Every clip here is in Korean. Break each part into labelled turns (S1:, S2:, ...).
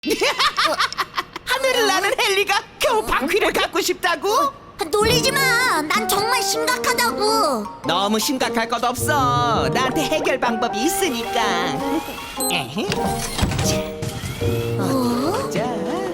S1: 하늘을 나는 헨리가 겨우 바퀴를 갖고 싶다고?
S2: 놀리지 마. 난 정말 심각하다고.
S1: 너무 심각할 것 없어. 나한테 해결 방법이 있으니까. 에헤. 자,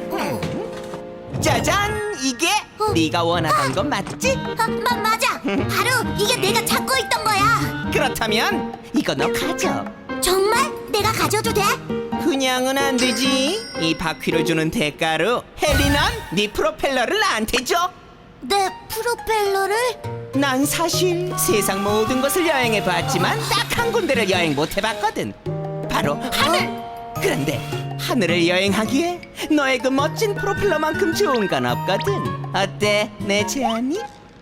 S1: 짜잔! 이게 네가 원하던 건 맞지?
S2: 맞아. 바로 이게 내가 찾고 있던 거야.
S1: 그렇다면 이거 너 가져.
S2: 정말? 내가 가져도 돼?
S1: 그냥은 안 되지. 이 바퀴를 주는 대가로 헨리는 네 프로펠러를 나한테 줘.
S2: 내 프로펠러를?
S1: 난 사실 세상 모든 곳을 여행해 봤지만 딱 한 군데를 여행 못 해봤거든. 바로 하늘. 그런데 하늘을 여행하기에 너의 그 멋진 프로펠러만큼 좋은 건 없거든. 어때, 내 제안이?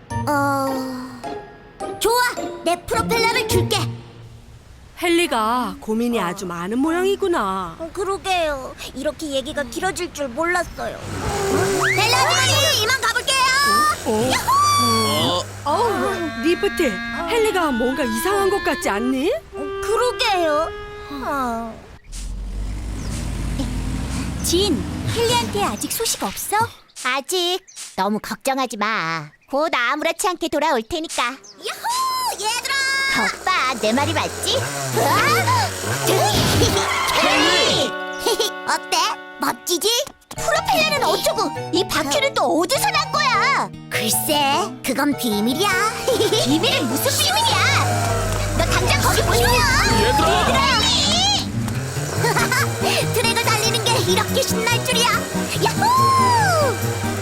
S2: 좋아. 내 프로펠러를 줄게.
S3: 헨리가 고민이 아주 많은 모양이구나.
S2: 그러게요. 이렇게 얘기가 길어질 줄 몰랐어요. 벨라 아주머니, 이만 가볼게요.
S3: 어우, 리프트, 헨리가 뭔가 이상한 것 같지 않니?
S2: 그러게요. 진, 헨리한테 아직 소식 없어? 아직. 너무 걱정하지 마. 곧 아무렇지 않게 돌아올 테니까. 야호! 얘들아! 겉봐, 내 말이 맞지? 헨리! 어때? 멋지지? 프로펠러는 어쩌고 이 바퀴는 또 어디서 난 거야? 글쎄, 그건 비밀이야. 비밀은 무슨 비밀이야? 너 당장 거기 보시면. 얘들아! 트랙을 달리는 게 이렇게 신날 줄이야. 야호!